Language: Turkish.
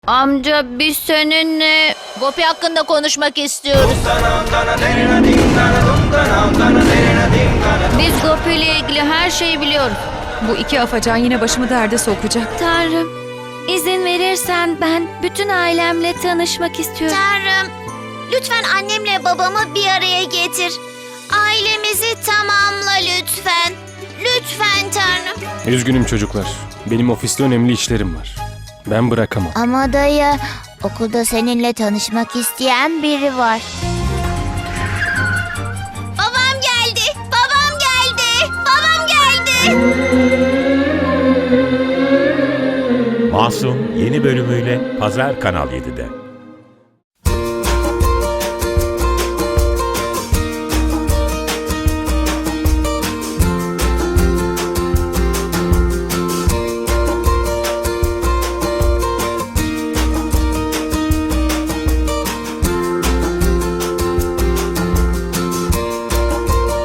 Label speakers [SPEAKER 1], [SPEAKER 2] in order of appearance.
[SPEAKER 1] Amca biz seninle
[SPEAKER 2] Gopi hakkında konuşmak istiyoruz.
[SPEAKER 1] biz Gopi ile ilgili her şeyi biliyoruz.
[SPEAKER 3] Bu iki afacan yine başımı derde sokacak.
[SPEAKER 1] Tanrım, izin verirsen ben bütün ailemle tanışmak istiyorum.
[SPEAKER 4] Tanrım, lütfen annemle babamı bir araya getir. Ailemizi tamamla lütfen. Lütfen Tanrım.
[SPEAKER 5] Üzgünüm çocuklar. Benim ofiste önemli işlerim var. Ben bırakamam.
[SPEAKER 4] Ama dayı, okulda seninle tanışmak isteyen biri var. Babam geldi. Babam geldi. Babam geldi.
[SPEAKER 6] Masum yeni bölümüyle Pazar Kanal 7'de.